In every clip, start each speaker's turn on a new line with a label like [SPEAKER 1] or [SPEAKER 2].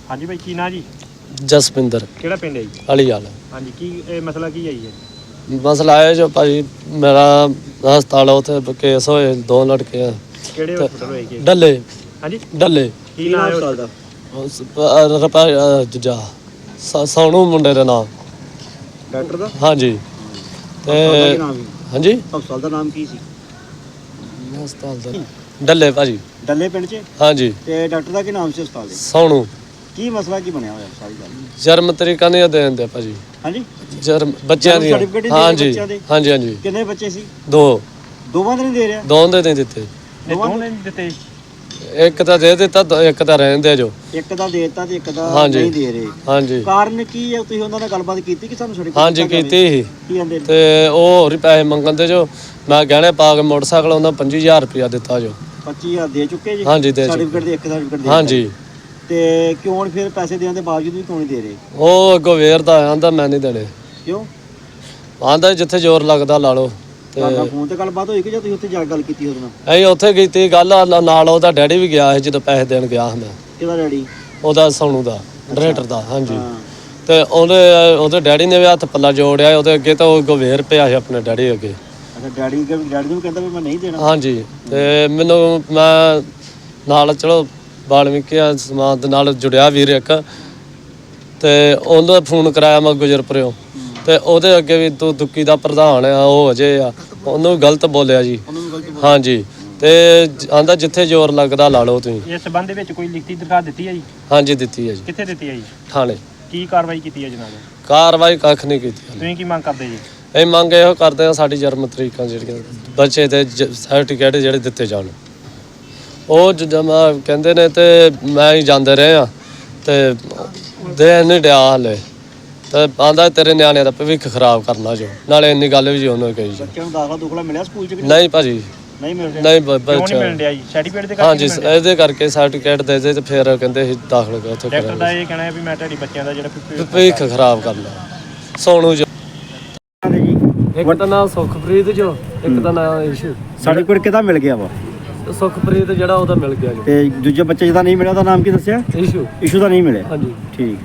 [SPEAKER 1] ਹਾਂਜੀ ਭਾਈ ਕੀ ਨਾਂ ਜੀ?
[SPEAKER 2] ਜਸਵਿੰਦਰ
[SPEAKER 1] ਕਿਹੜਾ ਪਿੰਡ ਹੈ ਜੀ?
[SPEAKER 2] ਅਲੀਵਾਲ।
[SPEAKER 1] ਹਾਂਜੀ ਕੀ ਇਹ ਮਸਲਾ ਕੀ ਹੈ ਜੀ?
[SPEAKER 2] ਮਸਲਾ ਹੈ ਜੋ ਭਾਈ ਮੇਰਾ ਹਸਪਤਾਲ ਉੱਥੇ ਕੇਸ ਹੋਏ 2 ਲੜਕੇ ਆ
[SPEAKER 1] ਕਿਹੜੇ ਹਸਪਤਾਲ ਹੋਏ ਜੀ?
[SPEAKER 2] ਡੱਲੇ
[SPEAKER 1] ਹਾਂਜੀ
[SPEAKER 2] ਡੱਲੇ
[SPEAKER 1] ਕੀ ਨਾਂ ਹੈ ਹਸਪਤਾਲ ਦਾ?
[SPEAKER 2] ਜੱਜਾ ਸੋਨੂ ਮੁੰਡੇ ਦਾ ਨਾਮ
[SPEAKER 1] ਡਾਕਟਰ ਦਾ?
[SPEAKER 2] ਹਾਂਜੀ ਤੇ ਹਾਂਜੀ
[SPEAKER 1] ਹਸਪਤਾਲ ਦਾ ਨਾਮ ਕੀ ਸੀ?
[SPEAKER 2] ਹਸਪਤਾਲ ਦਾ ਡੱਲੇ ਭਾਜੀ
[SPEAKER 1] ਡੱਲੇ ਪਿੰਡ 'ਚ?
[SPEAKER 2] ਹਾਂਜੀ
[SPEAKER 1] ਤੇ ਡਾਕਟਰ ਦਾ ਕੀ ਨਾਮ ਸੀ ਹਸਪਤਾਲ ਦੇ?
[SPEAKER 2] ਸੋਨੂ।
[SPEAKER 1] ਕੀ ਮਸਲਾ ਕੀ ਬਣਿਆ ਹੋਇਆ ਸਾਰੀ ਗੱਲ?
[SPEAKER 2] ਜਨਮ ਤਰੀਕਾ ਨਹੀਂ ਦੇਣ ਦੇ ਭਾਜੀ।
[SPEAKER 1] ਹਾਂਜੀ
[SPEAKER 2] ਜਨਮ ਬੱਚਿਆਂ ਦੀ ਹਾਂਜੀ ਹਾਂਜੀ ਹਾਂਜੀ।
[SPEAKER 1] ਕਿੰਨੇ ਬੱਚੇ ਸੀ?
[SPEAKER 2] 2
[SPEAKER 1] ਦੋਵਾਂ ਦੇ ਨਹੀਂ ਦੇ ਰਿਹਾ?
[SPEAKER 2] ਦੋਵਾਂ ਦੇ ਨਹੀਂ ਦਿੱਤੇ।
[SPEAKER 1] ਦੋਵਾਂ ਦੇ ਨਹੀਂ ਦਿੱਤੇ?
[SPEAKER 2] ਇੱਕ ਤਾਂ ਦੇ ਦਿੱਤਾ ਇੱਕ ਤਾਂ ਰਹਿਣ ਦੇ ਜੋ।
[SPEAKER 1] ਇੱਕ ਦਾ ਦੇ ਦਿੱਤਾ ਤੇ ਇੱਕ ਦਾ ਨਹੀਂ ਦੇ ਰਹੇ।
[SPEAKER 2] ਹਾਂਜੀ
[SPEAKER 1] ਕਾਰਨ ਕੀ ਹੈ? ਤੁਸੀਂ ਉਹਨਾਂ ਨਾਲ ਗੱਲਬਾਤ ਕੀਤੀ ਕਿ ਸਾਨੂੰ ਸਰਟੀਫਿਕੇਟ?
[SPEAKER 2] ਹਾਂਜੀ ਕੀਤੀ ਸੀ।
[SPEAKER 1] ਕੀ ਕਹਿੰਦੇ ਨੇ?
[SPEAKER 2] ਤੇ ਉਹ ਹੋਰ ਹੀ ਪੈਸੇ ਮੰਗਣ ਦੇ ਜੋ। ਮੈਂ ਗਹਿਣੇ ਪਾ ਕੇ ਮੋਟਰਸਾਈਕਲ ਉਹਨਾਂ 25000 ਰੁਪਇਆ ਦਿੱਤਾ ਜੋ।
[SPEAKER 1] 25000 ਦੇ ਚੁੱਕੇ ਜੀ?
[SPEAKER 2] ਹਾਂਜੀ ਦੇ
[SPEAKER 1] ਸਰਟੀਫਿਕੇਟ ਦੇ ਇੱਕ ਸਰਟੀਫਿਕੇਟ ਦੇ
[SPEAKER 2] ਹਾਂਜੀ।
[SPEAKER 1] ਤੇ ਕਿਉਂ ਫਿਰ ਪੈਸੇ ਦੇਣ ਦੇ ਬਾਵਜੂਦ ਵੀ ਕਿਉਂ ਨਹੀਂ ਦੇ ਰਹੇ?
[SPEAKER 2] ਉਹ ਅੱਗੋਂ ਵੇਰਦਾ ਆਂਦਾ ਮੈਂ ਨਹੀਂ ਦੇਣੇ।
[SPEAKER 1] ਕਿਉਂ?
[SPEAKER 2] ਆਂਦਾ ਜਿੱਥੇ ਜ਼ੋਰ ਲੱਗਦਾ ਲਾ ਲਓ।
[SPEAKER 1] ਤੁਹਾਡਾ ਫੋਨ ਤੇ ਗੱਲਬਾਤ ਹੋਈ ਕਿ ਜਾਂ ਤੁਸੀਂ ਉੱਥੇ ਜਾ ਕੇ ਗੱਲ ਕੀਤੀ ਉਹਦੇ ਨਾਲ?
[SPEAKER 2] ਅਸੀਂ ਉੱਥੇ ਕੀਤੀ ਗੱਲ ਨਾਲ ਉਹਦਾ ਡੈਡੀ ਵੀ ਗਿਆ ਸੀ ਜਦੋਂ ਪੈਸੇ ਦੇਣ ਗਿਆ ਸੀ ਮੈਂ।
[SPEAKER 1] ਕਿਹਦਾ ਡੈਡੀ?
[SPEAKER 2] ਉਹਦਾ ਸੋਨੂ ਦਾ ਡਾਇਰੈਕਟਰ ਦਾ। ਹਾਂਜੀ ਤੇ ਉਹਦੇ ਡੈਡੀ ਨੇ ਵੀ ਹੱਥ ਪੱਲਾ ਜੋੜਿਆ ਉਹਦੇ ਅੱਗੇ ਤਾਂ ਉਹ ਗਵੇਰ ਪਿਆ ਸੀ ਆਪਣੇ ਡੈਡੀ ਅੱਗੇ।
[SPEAKER 1] ਅੱਛਾ ਡੈਡੀ ਨੂੰ ਕਹਿੰਦਾ ਵੀ ਮੈਂ ਨਹੀਂ ਦੇਣਾ?
[SPEAKER 2] ਹਾਂਜੀ ਤੇ ਮੈਨੂੰ ਮੈਂ ਨਾਲ ਚਲੋ ਵਾਲਮੀਕਿਆ ਸਮਾਜ ਦੇ ਨਾਲ ਜੁੜਿਆ ਵੀਰ ਇੱਕ ਤੇ ਉਹਦਾ ਫੋਨ ਕਰਾਇਆ ਮੈਂ ਗੁਜਰਪੁਰਿਓਂ ਤੇ ਉਹਦੇ ਅੱਗੇ ਵੀ ਤੂੰ ਦੁੱਕੀ ਦਾ ਪ੍ਰਧਾਨ ਆ ਉਹ ਅਜੇ ਆ ਉਹਨੂੰ ਗਲਤ ਬੋਲਿਆ ਜੀ। ਹਾਂਜੀ ਤੇ ਆਂਦਾ ਜਿੱਥੇ ਜ਼ੋਰ ਲੱਗਦਾ ਲਾ ਲਓ ਤੁਸੀਂ।
[SPEAKER 1] ਇਸ ਸੰਬੰਧ ਵਿੱਚ ਕੋਈ ਲਿਖਤੀ ਦਰਖਾਸਤ ਦਿੱਤੀ ਹੈ ਜੀ?
[SPEAKER 2] ਹਾਂਜੀ ਦਿੱਤੀ ਹੈ ਜੀ।
[SPEAKER 1] ਕਿੱਥੇ ਦਿੱਤੀ ਹੈ ਜੀ?
[SPEAKER 2] ਥਾਣੇ।
[SPEAKER 1] ਕੀ ਕਾਰਵਾਈ ਕੀਤੀ ਹੈ ਜਨਾਬ?
[SPEAKER 2] ਕਾਰਵਾਈ ਕੱਖ ਨਹੀਂ ਕੀਤੀ।
[SPEAKER 1] ਤੁਸੀਂ ਕੀ ਮੰਗ ਕਰਦੇ ਜੀ?
[SPEAKER 2] ਇਹ ਮੰਗ ਇਹੋ ਕਰਦੇ ਆ ਸਾਡੀ ਜਨਮ ਤਰੀਕਾਂ ਜਿਹੜੀਆਂ ਬੱਚੇ ਦੇ ਸਰਟੀਫਿਕੇਟ ਜਿਹੜੇ ਦਿੱਤੇ ਜਾਣ। ਉਹ ਜਮਾ ਕਹਿੰਦੇ ਨੇ ਤੇ ਮੈਂ ਹੀ ਜਾਂਦੇ ਰਹੇ ਆ ਤੇ ਦੇ ਨਹੀਂ ਡਿਆ ਹਲੇ ਤੇ ਆਂਦਾ ਤੇਰੇ ਨਿਆਣਿਆਂ ਦਾ ਭਵਿੱਖ ਖਰਾਬ ਕਰਨਾ ਜੋ। ਨਾਲੇ ਇੰਨੀ ਗੱਲ ਵੀ ਜੀ ਉਹਨੂੰ ਕਹੀ ਜੀ।
[SPEAKER 1] ਬੱਚਿਆਂ ਨੂੰ ਦਾਖਲਾ ਦੁਖਲਾ ਮਿਲਿਆ ਸਕੂਲ 'ਚ?
[SPEAKER 2] ਨਹੀਂ ਭਾਜੀ
[SPEAKER 1] ਨਹੀਂ ਮਿਲ ਰਿਹਾ।
[SPEAKER 2] ਨਹੀਂ
[SPEAKER 1] ਕਿਉਂ ਨਹੀਂ ਮਿਲ ਰਿਹਾ ਜੀ? ਸਰਟੀਫਿਕੇਟ ਦੇ ਕਰਕੇ?
[SPEAKER 2] ਹਾਂਜੀ ਇਹਦੇ ਕਰਕੇ ਸਰਟੀਫਿਕੇਟ ਦੇ ਦੇ ਤੇ ਫਿਰ ਕਹਿੰਦੇ ਸੀ ਦਾਖਲ ਕਰ ਉੱਥੇ
[SPEAKER 1] ਡਾਕਟਰ ਦਾ ਇਹ ਕਹਿਣਾ ਹੈ ਵੀ ਮੈਂ ਤੁਹਾਡੀ ਬੱਚਿਆਂ ਦਾ ਜਿਹੜਾ
[SPEAKER 2] ਭਵਿੱਖ ਖਰਾਬ ਕਰਨਾ। ਸੋਨੂ ਜੋ ਇੱਕ ਦਾ ਨਾਮ ਸੁਖਪ੍ਰੀਤ ਜੋ ਇੱਕ ਦਾ ਨਾਮ ਇਸ਼ੂ।
[SPEAKER 1] ਸਰਟੀਫਿਕੇਟ ਕਿਹਦਾ ਮਿਲ ਗਿਆ ਵਾ?
[SPEAKER 2] ਸੁਖਪ੍ਰੀਤ ਜਿਹੜਾ ਉਹਦਾ ਮਿਲ ਗਿਆ ਜੋ।
[SPEAKER 1] ਤੇ ਦੂਜੇ ਬੱਚੇ ਜਿਹਦਾ ਨਹੀਂ ਮਿਲਿਆ ਉਹਦਾ ਨਾਮ ਕੀ ਦੱਸਿਆ? ਇਸ਼ੂ ਦਾ ਨਹੀਂ ਮਿਲਿਆ? ਹਾਂਜੀ ਠੀਕ।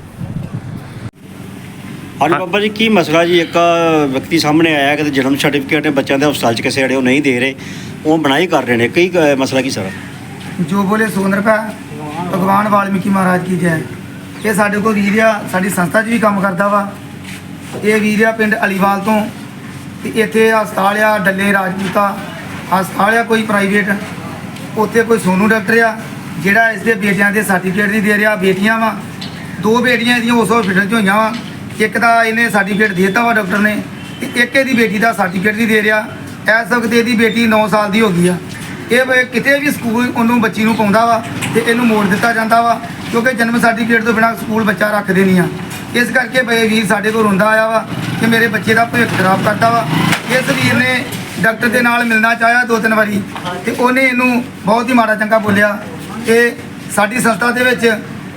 [SPEAKER 1] ਹਾਂਜੀ ਬਾਬਾ ਜੀ ਕੀ ਮਸਲਾ ਜੀ? ਇੱਕ ਵਿਅਕਤੀ ਸਾਹਮਣੇ ਆਇਆ ਕਿ ਜਨਮ ਸਰਟੀਫਿਕੇਟ ਬੱਚਿਆਂ ਦੇ ਹਸਪਤਾਲ 'ਚ ਕਿਸੇ ਜਿਹੜੇ ਉਹ ਨਹੀਂ ਦੇ ਰਹੇ, ਉਹ ਬਣਾਈ ਕਰ ਰਹੇ ਨੇ। ਕਈ ਮਸਲਾ ਕੀ ਸਰ?
[SPEAKER 3] ਜੋ ਬੋਲੇ ਸੋ ਨਿਰਭੈ ਭਗਵਾਨ ਵਾਲਮੀਕੀ ਮਹਾਰਾਜ ਕੀ ਜੈ। ਇਹ ਸਾਡੇ ਕੋਲ ਵੀਰ ਆ, ਸਾਡੀ ਸੰਸਥਾ 'ਚ ਵੀ ਕੰਮ ਕਰਦਾ ਵਾ। ਇਹ ਵੀਰ ਆ ਪਿੰਡ ਅਲੀਵਾਲ ਤੋਂ ਤੇ ਇੱਥੇ ਹਸਪਤਾਲ ਆ ਡੱਲੇ ਰਾਜਪੂਤਾ ਹਸਪਤਾਲ ਆ ਕੋਈ ਪ੍ਰਾਈਵੇਟ। ਉੱਥੇ ਕੋਈ ਸੋਨੂ ਡਾਕਟਰ ਆ ਜਿਹੜਾ ਇਸ ਦੇ ਬੇਟਿਆਂ ਦੇ ਸਰਟੀਫਿਕੇਟ ਨਹੀਂ ਦੇ ਰਿਹਾ। ਬੇਟੀਆਂ ਵਾ 2 ਬੇਟੀਆਂ ਇਹਦੀਆਂ ਉਸ ਹਸਪੀਟਲ 'ਚ ਹੋਈਆਂ ਵਾ। ਇੱਕ ਦਾ ਇਹਨੇ ਸਰਟੀਫਿਕੇਟ ਦੇ ਦਿੱਤਾ ਵਾ ਡਾਕਟਰ ਨੇ ਤੇ ਇੱਕ ਇਹਦੀ ਬੇਟੀ ਦਾ ਸਰਟੀਫਿਕੇਟ ਨਹੀਂ ਦੇ ਰਿਹਾ। ਇਸ ਵਕਤ ਇਹਦੀ ਬੇਟੀ 9 ਸਾਲ ਦੀ ਹੋ ਗਈ ਆ। ਇਹ ਕਿਤੇ ਵੀ ਸਕੂਲ ਉਹਨੂੰ ਬੱਚੀ ਨੂੰ ਪਾਉਂਦਾ ਵਾ ਤੇ ਇਹਨੂੰ ਮੋੜ ਦਿੱਤਾ ਜਾਂਦਾ ਵਾ ਕਿਉਂਕਿ ਜਨਮ ਸਰਟੀਫਿਕੇਟ ਤੋਂ ਬਿਨਾਂ ਸਕੂਲ ਬੱਚਾ ਰੱਖਦੇ ਨਹੀਂ ਆ। ਇਸ ਕਰਕੇ ਬਈ ਵੀਰ ਸਾਡੇ ਕੋਲ ਰੋਂਦਾ ਆਇਆ ਵਾ ਕਿ ਮੇਰੇ ਬੱਚੇ ਦਾ ਭਵਿੱਖ ਖਰਾਬ ਕਰਦਾ ਵਾ। ਇਸ ਵੀਰ ਨੇ ਡਾਕਟਰ ਦੇ ਨਾਲ ਮਿਲਣਾ ਚਾਹਿਆ 2-3 ਵਾਰੀ ਤੇ ਉਹਨੇ ਇਹਨੂੰ ਬਹੁਤ ਹੀ ਮਾੜਾ ਚੰਗਾ ਬੋਲਿਆ। ਇਹ ਸਾਡੀ ਸੰਸਥਾ ਦੇ ਵਿੱਚ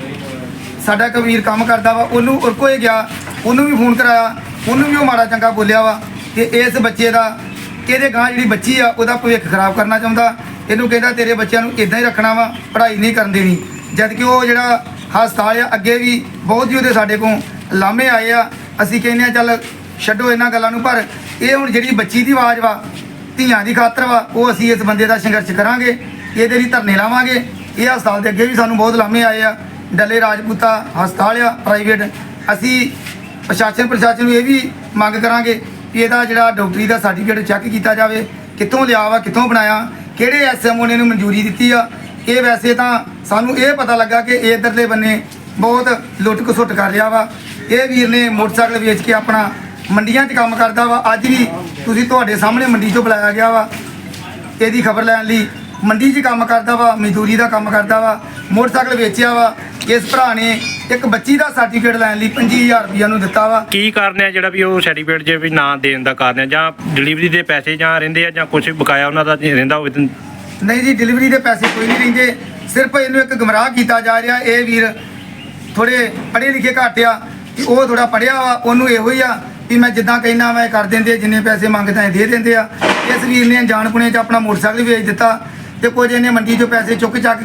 [SPEAKER 3] ਸਾਡਾ ਇੱਕ ਵੀਰ ਕੰਮ ਕਰਦਾ ਵਾ, ਉਹਨੂੰ ਉਰਕੋਏ ਗਿਆ, ਉਹਨੂੰ ਵੀ ਫੋਨ ਕਰਾਇਆ, ਉਹਨੂੰ ਵੀ ਉਹ ਮਾੜਾ ਚੰਗਾ ਬੋਲਿਆ ਵਾ ਤੇ ਇਸ ਬੱਚੇ ਦਾ ਇਹਦੇ ਗਾਂ ਜਿਹੜੀ ਬੱਚੀ ਆ ਉਹਦਾ ਭਵਿੱਖ ਖਰਾਬ ਕਰਨਾ ਚਾਹੁੰਦਾ। ਇਹਨੂੰ ਕਹਿੰਦਾ ਤੇਰੇ ਬੱਚਿਆਂ ਨੂੰ ਇਦਾਂ ਹੀ ਰੱਖਣਾ ਵਾ, ਪੜ੍ਹਾਈ ਨਹੀਂ ਕਰਨ ਦੇਣੀ। ਜਦ ਕਿ ਉਹ ਜਿਹੜਾ ਹਸਪਤਾਲ ਆ ਅੱਗੇ ਵੀ ਬਹੁਤ ਹੀ ਉਹਦੇ ਸਾਡੇ ਕੋਲ ਲਾਮੇ ਆਏ ਆ। ਅਸੀਂ ਕਹਿੰਦੇ ਆ ਚੱਲ ਛੱਡੋ ਇਹਨਾਂ ਗੱਲਾਂ ਨੂੰ, ਪਰ ਇਹ ਹੁਣ ਜਿਹੜੀ ਬੱਚੀ ਦੀ ਆਵਾਜ਼ ਵਾ ਧੀਆਂ ਦੀ ਖਾਤਰ ਵਾ, ਉਹ ਅਸੀਂ ਇਸ ਬੰਦੇ ਦਾ ਸੰਘਰਸ਼ ਕਰਾਂਗੇ, ਇਹਦੇ ਲਈ ਧਰਨੇ ਲਾਵਾਂਗੇ। ਇਹ ਹਸਪਤਾਲ ਦੇ ਅੱਗੇ ਵੀ ਸਾਨੂੰ ਬਹੁਤ ਲਾਮੇ ਆਏ ਆ। ਡੱਲੇ ਰਾਜਪੂਤਾ ਹਸਪਤਾਲ ਆ ਪ੍ਰਾਈਵੇਟ। ਅਸੀਂ ਪ੍ਰਸ਼ਾਸਨ ਨੂੰ ਇਹ ਵੀ ਮੰਗ ਕਰਾਂਗੇ ਕਿ ਇਹਦਾ ਜਿਹੜਾ ਡਾਕਟਰੀ ਦਾ ਸਰਟੀਫਿਕੇਟ ਚੈੱਕ ਕੀਤਾ ਜਾਵੇ, ਕਿੱਥੋਂ ਲਿਆ ਵਾ, ਕਿੱਥੋਂ ਬਣਾਇਆ, ਕਿਹੜੇ ਐਸਐਮਓ ਨੇ ਇਹਨੂੰ ਮਨਜ਼ੂਰੀ ਦਿੱਤੀ ਆ। ਇਹ ਵੈਸੇ ਤਾਂ ਸਾਨੂੰ ਇਹ ਪਤਾ ਲੱਗਾ ਕਿ ਇੱਧਰਲੇ ਬੰਨੇ ਬਹੁਤ ਲੁੱਟ ਖਸੁੱਟ ਕਰ ਰਿਹਾ ਵਾ। ਇਹ ਵੀਰ ਨੇ ਮੋਟਰਸਾਈਕਲ ਵੇਚ ਕੇ ਆਪਣਾ ਮੰਡੀਆਂ 'ਚ ਕੰਮ ਕਰਦਾ ਵਾ। ਅੱਜ ਵੀ ਤੁਸੀਂ ਤੁਹਾਡੇ ਸਾਹਮਣੇ ਮੰਡੀ 'ਚੋਂ ਬੁਲਾਇਆ ਗਿਆ ਵਾ ਇਹਦੀ ਖਬਰ ਲੈਣ ਲਈ। ਮੰਡੀ 'ਚ ਕੰਮ ਕਰਦਾ ਵਾ, ਮਜ਼ਦੂਰੀ ਦਾ ਕੰਮ ਕਰਦਾ ਵਾ, ਮੋਟਰਸਾਈਕਲ ਵੇਚਿਆ ਵਾ। ਇਸ ਭਰਾ ਨੇ ਇੱਕ ਬੱਚੀ ਦਾ ਸਰਟੀਫਿਕੇਟ ਲੈਣ ਲਈ 25000 ਰੁਪਈਆ ਨੂੰ ਦਿੱਤਾ ਵਾ।
[SPEAKER 1] ਕੀ ਕਾਰਨ ਹੈ ਜਿਹੜਾ ਵੀ ਉਹ ਸਰਟੀਫਿਕੇਟ ਜੇ ਵੀ ਨਾ ਦੇਣ ਦਾ ਕਾਰਨ ਹੈ? ਜਾਂ ਡਿਲੀਵਰੀ ਦੇ ਪੈਸੇ ਜਾਂ ਰਹਿੰਦੇ ਆ ਜਾਂ ਕੁਝ ਬਕਾਇਆ ਉਹਨਾਂ ਦਾ ਰਹਿੰਦਾ ਹੋਵੇ?
[SPEAKER 3] ਨਹੀਂ ਜੀ, ਡਿਲੀਵਰੀ ਦੇ ਪੈਸੇ ਕੋਈ ਨਹੀਂ ਰਹਿੰਦੇ। ਸਿਰਫ ਇਹਨੂੰ ਇੱਕ ਗੁੰਮਰਾਹ ਕੀਤਾ ਜਾ ਰਿਹਾ। ਇਹ ਵੀਰ ਥੋੜੇ ਪੜ੍ਹੇ ਲਿਖੇ ਘੱਟ ਆ ਕਿ ਉਹ ਥੋੜਾ ਪੜ੍ਹਿਆ ਵਾ। ਉਹਨੂੰ ਇਹੋ ਹੀ ਆ ਵੀ ਮੈਂ ਜਿੱਦਾਂ ਕਹਿਣਾ ਮੈਂ ਕਰ ਦਿੰਦੇ, ਜਿੰਨੇ ਪੈਸੇ ਮੰਗਦਾ ਦੇ ਦਿੰਦੇ ਆ। ਇਸ ਵੀਰ ਨੇ ਅਣਜਾਣ ਪੁਣੇ 'ਚ ਆਪਣਾ ਮੋਟਰਸਾਈਕਲ ਵੇਚ ਦਿੱਤਾ ਤੇ ਕੁਝ ਇਹਨੇ ਮੰਡੀ 'ਚੋਂ ਪੈਸੇ ਚੁੱਕ ਚੱਕ ਕੇ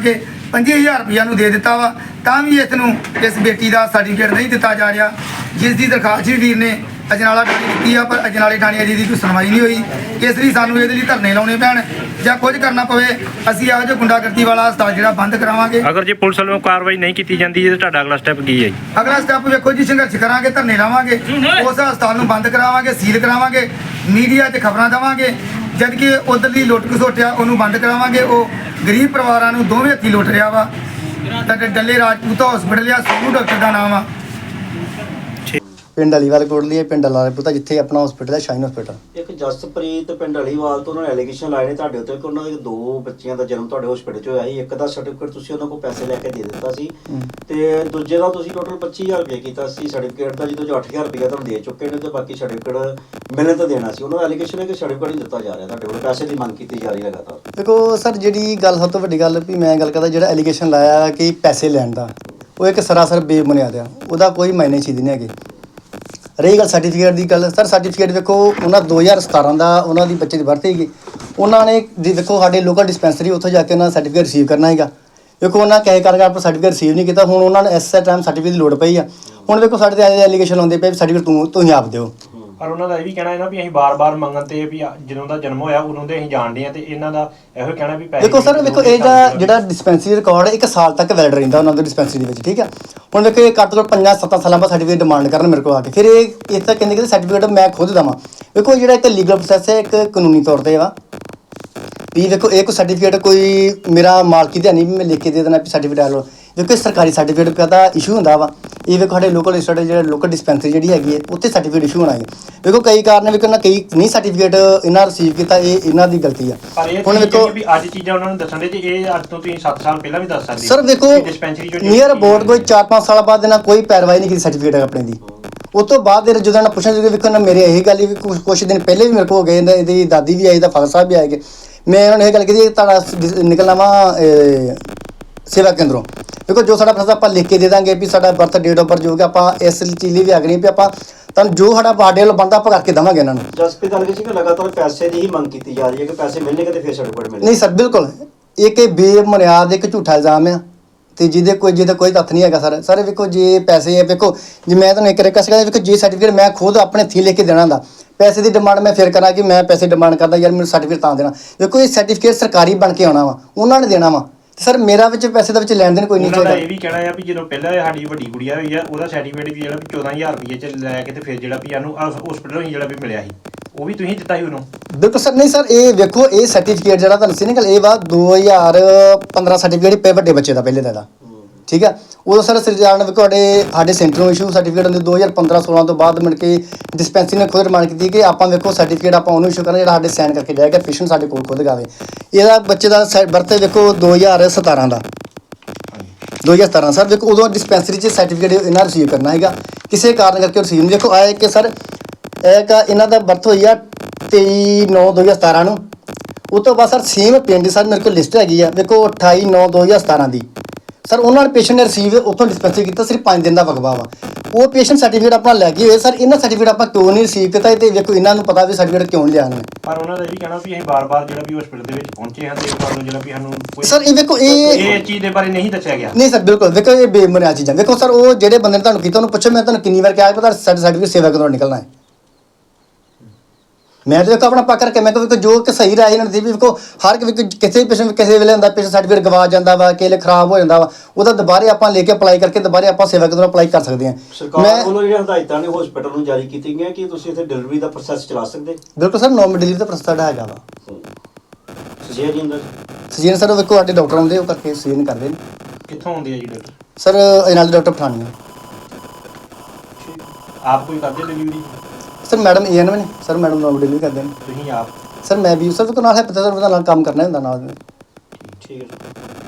[SPEAKER 3] 25,000 ਰੁਪਇਆ ਨੂੰ ਦੇ ਦਿੱਤਾ ਵਾ, ਤਾਂ ਵੀ ਇਸ ਬੇਟੀ ਦਾ ਸਰਟੀਫਿਕੇਟ ਨਹੀਂ ਦਿੱਤਾ ਜਾ ਰਿਹਾ, ਜਿਸ ਦੀ ਦਰਖਾਸਤ ਵੀ ਵੀਰ ਨੇ ਅਜਨਾਲਾ ਥਾਣੇ ਦਿੱਤੀ ਆ, ਪਰ ਅਜਨਾਲੇ ਥਾਣੇ ਅਜੇ ਦੀ ਕੋਈ ਸੁਣਵਾਈ ਨਹੀਂ ਹੋਈ। ਇਸ ਲਈ ਸਾਨੂੰ ਇਹਦੇ ਲਈ ਧਰਨੇ ਲਾਉਣੇ ਪੈਣ ਜਾਂ ਕੁਝ ਕਰਨਾ ਪਵੇ। ਅਸੀਂ ਇਹੋ ਜਿਹਾ ਗੁੰਡਾਗਰਦੀ ਵਾਲਾ ਹਸਪਤਾਲ ਜਿਹੜਾ ਬੰਦ ਕਰਾਵਾਂਗੇ।
[SPEAKER 4] ਅਗਰ ਜੇ ਪੁਲਿਸ ਵੱਲੋਂ ਕਾਰਵਾਈ ਨਹੀਂ ਕੀਤੀ ਜਾਂਦੀ ਤਾਂ ਤੁਹਾਡਾ ਅਗਲਾ ਸਟੈਪ ਕੀ ਹੈ ਜੀ?
[SPEAKER 3] ਅਗਲਾ ਸਟੈਪ ਵੇਖੋ ਜੀ, ਸੰਘਰਸ਼ ਕਰਾਂਗੇ, ਧਰਨੇ ਲਾਵਾਂਗੇ, ਉਸ ਹਸਪਤਾਲ ਨੂੰ ਬੰਦ ਕਰਾਵਾਂਗੇ, ਸੀਲ ਕਰਾਵਾਂਗੇ, ਮੀਡੀਆ 'ਤੇ ਖਬਰਾਂ ਦੇਵਾਂਗੇ। ਜਦ ਕਿ ਉਧਰਲੀ ਲੁੱਟ ਖਸੁੱਟਿਆ ਉਹਨੂੰ ਬੰਦ ਕਰਾਵਾਂਗੇ। ਉਹ ਗਰੀਬ ਪਰਿਵਾਰਾਂ ਨੂੰ ਦੋਵੇਂ ਹੱਥੀਂ ਲੁੱਟ ਰਿਹਾ ਵਾ। ਤਾਂ ਡੱਲੇ ਰਾਜਪੂਤ ਹਸਪੀਟਲ ਆ, ਸੋਨੂ ਡਾਕਟਰ ਦਾ ਨਾਮ ਆ।
[SPEAKER 5] ਪਿੰਡ ਅਲੀਵਾਲ ਕੋਟਲੀ ਹੈ, ਪਿੰਡ ਲਾਲਪੁਰ ਜਿੱਥੇ ਆਪਣਾ ਹਸਪੀਟਲ ਹੈ, ਸ਼ਾਈਨ ਹਸਪੀਟਲ।
[SPEAKER 1] ਇੱਕ ਜਸਪ੍ਰੀਤ ਪਿੰਡ ਅਲੀਵਾਲ ਤੋਂ ਉਹਨਾਂ ਨੇ ਐਲੀਗੇਸ਼ਨ ਲਾਏ ਨੇ ਤੁਹਾਡੇ ਉੱਤੇ ਕਿ ਉਹਨਾਂ ਦੇ 2 ਬੱਚਿਆਂ ਦਾ ਜਨਮ ਤੁਹਾਡੇ ਹਸਪੀਟਲ 'ਚ ਹੋਇਆ ਸੀ। ਇੱਕ ਦਾ ਸਰਟੀਫਿਕੇਟ ਤੁਸੀਂ ਉਹਨਾਂ ਕੋਲ ਪੈਸੇ ਲੈ ਕੇ ਦੇ ਦਿੱਤਾ ਸੀ ਤੇ ਦੂਜੇ ਦਾ ਤੁਸੀਂ ਟੋਟਲ 25,000 ਰੁਪਏ ਕੀਤਾ ਸੀ ਸਰਟੀਫਿਕੇਟ ਦਾ, ਜਿਹਦੇ 'ਚ 8,000 ਰੁਪਏ ਤੁਹਾਨੂੰ ਦੇ ਚੁੱਕੇ ਨੇ ਤੇ ਬਾਕੀ ਸਰਟੀਫਿਕੇਟ ਮਿਲਣ ਤਾਂ ਦੇਣਾ ਸੀ। ਉਹਨਾਂ ਦਾ ਐਲੀਗੇਸ਼ਨ ਹੈ ਕਿ ਸਰਟੀਫਿਕੇਟ ਨਹੀਂ ਦਿੱਤਾ ਜਾ ਰਿਹਾ, ਤੁਹਾਡੇ ਕੋਲ ਪੈਸੇ ਦੀ ਮੰਗ ਕੀਤੀ ਜਾ ਰਹੀ ਲਗਾਤਾਰ।
[SPEAKER 5] ਦੇਖੋ ਸਰ, ਜਿਹੜੀ ਗੱਲ ਸਭ ਤੋਂ ਵੱਡੀ ਗੱਲ ਵੀ ਮੈਂ ਗੱਲ ਕਰਦਾ, ਜਿਹੜਾ ਐਲੀਗੇਸ਼ਨ ਲਾਇਆ ਕਿ ਪੈਸੇ ਲੈਣ ਦਾ, ਉਹ ਇੱਕ ਸਰਾਸਰ ਬੇਬੁਨਿਆਦ ਆ, ਉਹਦਾ ਕੋਈ ਮਾਇਨੇ ਚੀਜ਼ ਨਹੀਂ ਹੈਗੀ। ਰਹੀ ਗੱਲ ਸਰਟੀਫਿਕੇਟ ਦੀ ਗੱਲ, ਸਰ ਸਰਟੀਫਿਕੇਟ ਵੇਖੋ ਉਹਨਾਂ 2017 ਦਾ ਉਹਨਾਂ ਦੀ ਬੱਚੇ ਦੀ ਬਰਥ ਹੈਗੀ, ਉਹਨਾਂ ਨੇ ਦੇਖੋ ਸਾਡੇ ਲੋਕਲ ਡਿਸਪੈਂਸਰੀ ਉੱਥੋਂ ਜਾ ਕੇ ਉਹਨਾਂ ਸਰਟੀਫਿਕੇਟ ਰਿਸੀਵ ਕਰਨਾ ਹੈਗਾ। ਵੇਖੋ ਉਹਨਾਂ ਕਹੇ ਕਰਕੇ ਆਪਣਾ ਸਰਟੀਫਿਕੇਟ ਰਿਸੀਵ ਨਹੀਂ ਕੀਤਾ, ਹੁਣ ਉਹਨਾਂ ਨੂੰ ਐਸੇ ਟਾਈਮ ਸਰਟੀਫਿਕੇਟ ਦੀ ਲੋੜ ਪਈ ਆ। ਹੁਣ ਵੇਖੋ ਸਾਡੇ ਤੇ ਐਲੀਗੇਸ਼ਨ ਆਉਂਦੇ ਪਏ ਸਰਟੀਫਿਕੇਟ ਤੁਸੀਂ ਆਪ ਦਿਓ।
[SPEAKER 4] ਪਰ ਉਹਨਾਂ ਦਾ ਇਹ ਵੀ ਕਹਿਣਾ ਹੈ ਨਾ ਵੀ ਅਸੀਂ ਬਾਰ-ਬਾਰ ਮੰਗਣ ਤੇ ਵੀ ਜਦੋਂ ਦਾ ਜਨਮ ਹੋਇਆ ਉਦੋਂ ਦੇ ਅਸੀਂ ਜਾਣਦੇ ਆ, ਤੇ ਇਹਨਾਂ ਦਾ ਇਹੋ ਕਹਿਣਾ ਵੀ ਪੈਸੇ
[SPEAKER 5] ਦੇਖੋ ਸਰ, ਵੇਖੋ ਇਹਦਾ ਜਿਹੜਾ ਡਿਸਪੈਂਸਰੀ ਰਿਕਾਰਡ 1 ਸਾਲ ਤੱਕ ਵੈਲਿਡ ਰਹਿੰਦਾ ਉਹਨਾਂ ਦੇ ਡਿਸਪੈਂਸਰੀ ਦੇ ਵਿੱਚ, ਠੀਕ ਹੈ। ਹੁਣ ਵੇਖੋ ਇਹ ਘੱਟ ਤੋਂ 5-7 ਸਾਲਾਂ ਬਾਅਦ ਸਰਟੀਫਿਕੇਟ ਡਿਮਾਂਡ ਕਰਨ ਮੇਰੇ ਕੋਲ ਆ ਕੇ, ਫਿਰ ਇਹ ਤਾਂ ਕਹਿੰਦੇ ਕਿ ਸਰਟੀਫਿਕੇਟ ਮੈਂ ਖੁਦ ਦੇਵਾਂ। ਵੇਖੋ ਜਿਹੜਾ ਇੱਕ ਲੀਗਲ ਪ੍ਰੋਸੈਸ ਹੈ, ਇੱਕ ਕਾਨੂੰਨੀ ਤੌਰ ਤੇ ਵਾ ਵੀ ਵੇਖੋ ਇਹ ਕੋਈ ਸਰਟੀਫਿਕੇਟ ਕੋਈ ਮੇਰਾ ਮਾਲਕੀ ਤੇ ਨਹੀਂ ਵੀ ਮੈਂ ਲਿਖ ਕੇ ਦੇ ਦੇਣਾ ਵੀ ਸਰਟੀਫਿਕੇਟ ਆ ਲਓ। ਦੇਖੋ ਸਰਕਾਰੀ ਸਰਟੀਫਿਕੇਟ ਦਾ ਇਸ਼ੂ ਹੁੰਦਾ ਵਾ, ਇਹ ਵੇਖੋ ਸਾਡੇ ਲੋਕਲ ਇੰਸਟੀਟਿਊਟ ਜਿਹੜਾ ਲੋਕਲ ਡਿਸਪੈਂਸਰੀ ਜਿਹੜੀ ਹੈਗੀ ਹੈ ਉੱਥੇ ਸਰਟੀਫਿਕੇਟ ਇਸ਼ੂ ਹੋਣਾ ਹੈ। ਵੇਖੋ ਕਈ ਕਾਰਨ ਵੇਖੋ ਨਾ ਕਈ ਨਹੀਂ ਸਰਟੀਫਿਕੇਟ ਇਹਨਾਂ ਰਿਸੀਵ ਕੀਤਾ, ਇਹ ਇਹਨਾਂ ਦੀ ਗਲਤੀ ਆ।
[SPEAKER 4] ਹੁਣ ਵੇਖੋ ਵੀ ਅੱਜ ਚੀਜ਼ਾਂ ਉਹਨਾਂ ਨੂੰ ਦੱਸਣ ਦੇ ਜੀ, ਇਹ ਅੱਜ ਤੋਂ ਤੁਸੀਂ 7 ਸਾਲ ਪਹਿਲਾਂ ਵੀ ਦੱਸ ਸਕਦੇ
[SPEAKER 5] ਸਰ। ਵੇਖੋ
[SPEAKER 4] ਡਿਸਪੈਂਸਰੀ ਚੋਂ
[SPEAKER 5] ਨੀਅਰ ਅਬਾਊਟ ਕੋਈ 4-5 ਸਾਲ ਬਾਅਦ ਇਹਨਾਂ ਕੋਈ ਪੈਰਵਾਈ ਨਹੀਂ ਕੀਤੀ ਸਰਟੀਫਿਕੇਟ ਆਪਣੇ ਦੀ। ਉਸ ਤੋਂ ਬਾਅਦ ਜਦੋਂ ਇਹਨਾਂ ਪੁੱਛਣ ਕਿ ਵੇਖੋ ਨਾ ਮੇਰੇ ਇਹੀ ਗੱਲ ਵੀ ਕੁਛ ਦਿਨ ਪਹਿਲੇ ਵੀ ਮੇਰੇ ਕੋਲ ਹੋ ਗਏ, ਇਹਦੀ ਦਾਦੀ ਵੀ ਆਈ ਤਾਂ ਫਾਦਰ ਸਾਹਿਬ ਵੀ ਆਏ ਗਏ, ਮੈਂ ਉਹਨਾਂ ਨੂੰ ਇਹ ਗੱਲ ਕੀਤੀ ਤੁਹਾਡਾ ਨਿਕਲਣਾ ਵਾ ਸੇਵਾ ਕੇਂਦਰੋਂ। ਦੇਖੋ ਜੋ ਸਾਡਾ ਫੈਸਲਾ ਆਪਾਂ ਲਿਖ ਕੇ ਦੇ ਦਾਂਗੇ ਵੀ ਸਾਡਾ ਬਰਥ ਡੇਟ ਆਫ ਬਰਥ ਜੋ ਕਿ ਆਪਾਂ ਇਸ ਚੀਜ਼ ਲਈ ਵੀ ਆਗਣੀ ਵੀ ਆਪਾਂ ਤੁਹਾਨੂੰ ਜੋ ਸਾਡਾ ਬਾਡੇ ਵੱਲ ਬਣਦਾ ਆਪਾਂ ਕਰਕੇ ਦੇਵਾਂਗੇ ਇਹਨਾਂ ਨੂੰ।
[SPEAKER 1] ਜਸਪ੍ਰੀਤ ਐਲੀਗੇਸ਼ਨ ਕਿ ਲਗਾਤਾਰ ਪੈਸੇ ਦੀ ਹੀ ਮੰਗ ਕੀਤੀ ਜਾ ਰਹੀ ਹੈ ਕਿ ਪੈਸੇ ਮਿਲਣਗੇ ਤੇ ਫਿਰ ਸਰਟੀਫਿਕੇਟ ਮਿਲੇਗਾ।
[SPEAKER 5] ਨਹੀਂ ਸਰ, ਬਿਲਕੁਲ ਇਹ ਬੇਬੁਨਿਆਦ ਇੱਕ ਝੂਠਾ ਇਲਜ਼ਾਮ ਆ ਤੇ ਜਿਹਦਾ ਕੋਈ ਤੱਥ ਨਹੀਂ ਹੈਗਾ ਸਰ। ਸਰ ਵੇਖੋ ਜੇ ਪੈਸੇ ਵੇਖੋ ਜੇ ਮੈਂ ਤੁਹਾਨੂੰ ਇੱਕ ਰਿਕਵੈਸਟ ਕਰਦਾ, ਵੇਖੋ ਜੇ ਸਰਟੀਫਿਕੇਟ ਮੈਂ ਖੁਦ ਆਪਣੇ ਹੱਥੀਂ ਲਿਖ ਕੇ ਦੇਣਾ ਦਾ, ਪੈਸੇ ਦੀ ਡਿਮਾਂਡ ਮੈਂ ਫਿਰ ਕਰਾਂ ਕਿ ਮੈਂ ਪੈਸੇ ਡਿਮਾਂਡ ਕਰਦਾ ਯਾਰ ਮੈਨੂੰ ਸਰਟੀਫਿਕੇਟ ਤਾਂ ਦੇਣਾ। ਵੇਖੋ ਇਹ ਸਰਟੀਫਿਕੇਟ ਸਰਕਾਰੀ ਬਣ ਕੇ ਆਉਣਾ ਵਾ, ਉਹਨਾਂ ਨੇ ਦੇਣਾ ਵਾ ਸਰ। ਮੇਰਾ ਵਿੱਚ ਪੈਸੇ ਦਾ ਵਿੱਚ ਲੈਣ ਦੇਣ ਕੋਈ ਨਹੀਂ ਚਾਹੀਦਾ।
[SPEAKER 4] ਇਹ ਵੀ ਕਹਿਣਾ ਆ ਵੀ ਜਦੋਂ ਪਹਿਲਾਂ ਸਾਡੀ ਵੱਡੀ ਗੁੜੀਆ ਹੋਈ ਆ ਉਹਦਾ ਸਰਟੀਫਿਕੇਟ ਵੀ ਜਿਹੜਾ ਵੀ 14,000 ਰੁਪਏ ਚ ਲੈ ਕੇ ਤੇ ਫਿਰ ਜਿਹੜਾ ਵੀ ਸਾਨੂੰ ਹਸਪੀਟਲੋਂ ਹੀ ਜਿਹੜਾ ਵੀ ਮਿਲਿਆ ਸੀ ਉਹ ਵੀ ਤੁਸੀਂ ਦਿੱਤਾ ਸੀ ਉਹਨੂੰ। ਬਿਲਕੁਲ
[SPEAKER 5] ਸਰ। ਨਹੀਂ ਸਰ, ਇਹ ਵੇਖੋ ਇਹ ਸਰਟੀਫਿਕੇਟ ਜਿਹੜਾ ਤੁਹਾਨੂੰ ਸੀ ਨਾ ਇਹ ਵਾ 2015 ਸਰਟੀਫਿਕੇਟ ਪੇ ਵੱਡੇ ਬੱਚੇ ਦਾ ਪਹਿਲੇ ਦਾ, ਠੀਕ ਹੈ। ਉਦੋਂ ਸਰ ਸਰਕਾਰ ਨੇ ਵੇਖੋ ਸਾਡੇ ਸੈਂਟਰ ਨੂੰ ਇਸ਼ੂ ਸਰਟੀਫਿਕੇਟ ਹੁੰਦੇ 2015-16 ਤੋਂ ਬਾਅਦ ਮਿਲ ਕੇ ਡਿਸਪੈਂਸਰੀ ਨੇ ਖੁਦ ਡਿਮਾਂਡ ਕੀਤੀ ਕਿ ਆਪਾਂ ਵੇਖੋ ਸਰਟੀਫਿਕੇਟ ਆਪਾਂ ਉਹਨੂੰ ਇਸ਼ੂ ਕਰਨਾ ਜਿਹੜਾ ਸਾਡੇ ਸਾਈਨ ਕਰਕੇ ਜਾਏਗਾ, ਪੇਸ਼ੈਂਟ ਸਾਡੇ ਕੋਲ ਖੁਦ ਗਾਵੇ। ਇਹਦਾ ਬੱਚੇ ਦਾ ਬਰਥ ਵੇਖੋ 2017 ਦਾ 2017 ਸਰ। ਵੇਖੋ ਉਦੋਂ ਡਿਸਪੈਂਸਰੀ 'ਚ ਸਰਟੀਫਿਕੇਟ ਇਹਨਾਂ ਰਿਸੀਵ ਕਰਨਾ ਹੈਗਾ, ਕਿਸੇ ਕਾਰਨ ਕਰਕੇ ਰਿਸੀਵ ਨਹੀਂ। ਵੇਖੋ ਆਇਆ ਕਿ ਸਰ ਇਹਨਾਂ ਦਾ ਬਰਥ ਹੋਈ ਆ 23/9/2017 ਨੂੰ। ਉਹ ਤੋਂ ਬਾਅਦ ਸਰ ਸੇਮ ਪਿੰਡ ਸਰ ਮੇਰੇ ਕੋਲ ਲਿਸਟ ਹੈਗੀ ਆ, ਵੇਖੋ 28/9/2017 ਦੀ ਸਰ। ਉਹਨਾਂ ਨੇ ਪੇਸ਼ੈਂਟ ਨੇ ਰਿਸੀਵ ਉੱਥੋਂ ਡਿਸਪੈਂਸਰੀ ਕੀਤਾ, ਸਿਰਫ 5 ਦਿਨ ਦਾ ਵਕਵਾ ਵਾ। ਉਹ ਪੇਸ਼ੈਂਟ ਸਰਟੀਫਿਕੇਟ ਆਪਾਂ ਲੈ ਕੇ ਹੋਏ ਸਰ, ਇਹਨਾਂ ਸਰਟੀਫਿਕੇਟ ਆਪਾਂ ਕਿਉਂ ਨਹੀਂ ਰਿਸੀਵ ਕੀਤਾ ਤੇ ਵੇਖੋ ਇਹਨਾਂ ਨੂੰ ਪਤਾ ਵੀ ਸਰਟੀਫਿਕੇਟ ਕਿਉਂ ਲਿਆ ਇਹਨਾਂ ਨੇ।
[SPEAKER 4] ਪਰ ਉਹਨਾਂ ਦਾ ਇਹ ਵੀ ਕਹਿਣਾ ਵੀ ਅਸੀਂ ਬਾਰ-ਬਾਰ ਜਿਹੜਾ ਵੀ ਹਸਪੀਟਲ ਦੇ ਵਿੱਚ ਪਹੁੰਚੇ ਹਾਂ ਤੇ ਤੁਹਾਨੂੰ ਜਿਹੜਾ ਵੀ ਸਾਨੂੰ
[SPEAKER 5] ਸਰ ਇਹ ਵੇਖੋ
[SPEAKER 4] ਇਹ ਚੀਜ਼ ਦੇ ਬਾਰੇ ਨਹੀਂ ਦੱਸਿਆ ਗਿਆ।
[SPEAKER 5] ਨਹੀਂ ਸਰ, ਬਿਲਕੁਲ ਵੇਖੋ ਇਹ ਬੇਬੁਨਿਆਦ ਚੀਜ਼ਾਂ। ਵੇਖੋ ਸਰ ਉਹ ਜਿਹੜੇ ਬੰਦੇ ਨੇ ਤੁਹਾਨੂੰ ਕੀਤਾ ਉਹਨੂੰ ਪੁੱਛੋ, ਮੈਂ ਤੁਹਾਨੂੰ ਕਿੰਨੀ ਵਾਰ ਕਿਹਾ ਪਤਾ ਸਰਟੀਫਿਕੇਟ ਸੇਵਾ ਕਦੋਂ ਨਿਕਲਣਾ ਹੈ। ਮੈਂ ਤਾਂ ਵੇਖੋ ਆਪਣਾ ਪੱਕ ਕਰਕੇ ਮੈਂ ਕਿਹਾ ਜੋ ਕਿ ਸਹੀ ਰਾਏ ਇਹਨਾਂ ਦੀ ਵੀ ਵੇਖੋ ਹਰ ਇੱਕ ਕਿਸੇ ਪੇਸ਼ੈਂਟ ਕਿਸੇ ਵੇਲੇ ਹੁੰਦਾ ਪੇਸ਼ੈਂਟ ਸਰਟੀਫਿਕੇਟ ਗਵਾ ਜਾਂਦਾ ਵਾ, ਕਿਸੇ ਖਰਾਬ ਹੋ ਜਾਂਦਾ ਵਾ, ਉਹਦਾ ਦੁਬਾਰੇ ਆਪਾਂ ਲੈ ਕੇ ਅਪਲਾਈ ਕਰਕੇ ਦੁਬਾਰੇ ਆਪਾਂ ਸੇਵਾ ਕੇਂਦਰ ਅਪਲਾਈ ਕਰ ਸਕਦੇ ਹਾਂ।
[SPEAKER 1] ਸਰਕਾਰ ਵੱਲੋਂ ਜਿਹੜੀਆਂ ਹਦਾਇਤਾਂ ਨੇ ਹਸਪੀਟਲ ਨੂੰ ਜਾਰੀ ਕੀਤੀਆਂ ਗਈਆਂ ਕਿ ਤੁਸੀਂ ਇੱਥੇ ਡਿਲੀਵਰੀ ਦਾ ਪ੍ਰੋਸੈਸ ਚਲਾ ਸਕਦੇ।
[SPEAKER 5] ਬਿਲਕੁਲ ਸਰ, ਨੋਰਮਲ ਡਿਲੀਵਰੀ ਦਾ ਪ੍ਰੋਸੈਸ ਹੈਗਾ ਵਾ।
[SPEAKER 1] ਸਜੇਰੀਅਨ ਦਾ
[SPEAKER 5] ਸਜੀਨ ਸਰ ਵੇਖੋ ਸਾਡੇ ਡਾਕਟਰ ਆਉਂਦੇ ਉਹ ਕਰਕੇ ਸਜੀਨ ਕਰਦੇ ਨੇ।
[SPEAKER 4] ਕਿੱਥੋਂ ਆਉਂਦੇ ਆ ਜੀ ਡਾਕਟਰ?
[SPEAKER 5] ਸਰ ਨਾਲ ਡਾਕਟਰ ਪਠਾਣੀ
[SPEAKER 4] ਆਪ ਕੋਈ ਕਰਦੇ ਡਿਲੀਵਰੀ?
[SPEAKER 5] ਸਰ ਮੈਡਮ ਏਐਨਐਮ ਨੇ ਸਰ, ਮੈਡਮ ਨੋਰਮਲ ਡਿਲੀਵਰੀ ਕਰਦੇ ਨੇ।
[SPEAKER 4] ਤੁਸੀਂ ਆਪ?
[SPEAKER 5] ਸਰ ਮੈਂ ਵੀ ਸਰ ਨਾਲ ਹੈ ਪਤਾ ਸਰ ਨਾਲ ਕੰਮ ਕਰਨਾ ਹੁੰਦਾ ਨਾਲ।
[SPEAKER 1] ਠੀਕ ਹੈ।